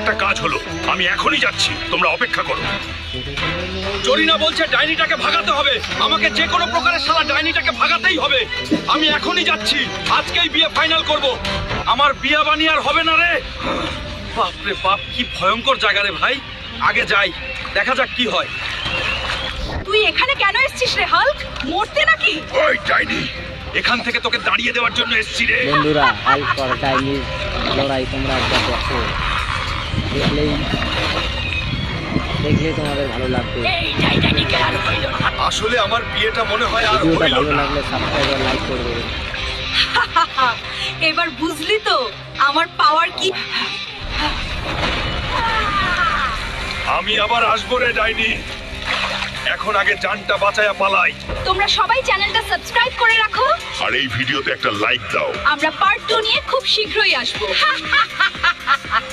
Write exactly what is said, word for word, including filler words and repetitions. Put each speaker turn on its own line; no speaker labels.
একটা কাজ হলো, আমি এখনই যাচ্ছি, তোমরা অপেক্ষা করো।
জরিনা বলছে ডাইনিটাকে ভাগাতে হবে, আমাকে যে কোনো প্রকারে শালা ডাইনিটাকে ভাগাতেই হবে। আমি এখনই যাচ্ছি, আজকেই বিয়ে ফাইনাল করব। আমার বিয়ে বানিয়ে আর হবে না রে। বাপ রে বাপ, কি ভয়ঙ্কর জায়গা রে ভাই। আগে যাই, দেখা যাক কি হয়।
তুই এখানে কেন এসেছিস রে হাল্ক? মরতে নাকি?
ওই ডাইনি, এখান থেকে তোকে দাঁড়িয়ে দেওয়ার জন্য এসেছি রে।
বন্ধুরা, হাল্ক আর ডাইনির লড়াই তোমরা একবার দেখো, দেখলেই দেখলে তোমাদের ভালো লাগবে।
এই ডাইনিটাকে আর হইল না।
আসলে আমার বিয়েটা মনে হয় আর
ভিডিওটা
হইল
ভালো
না।
লাগলে সাবস্ক্রাইব আর লাইক করবে।
এবার বুঝলি তো আমার পাওয়ার কি?
আমি আবার আসবো রে ডাইনি, এখন আগে জানটা বাঁচায়া পালাই।
তোমরা সবাই চ্যানেলটা সাবস্ক্রাইব করে রাখো।
আর এই ভিডিওতে একটা লাইক দাও।
আমরা পার্ট টু নিয়ে খুব শীঘ্রই আসবো।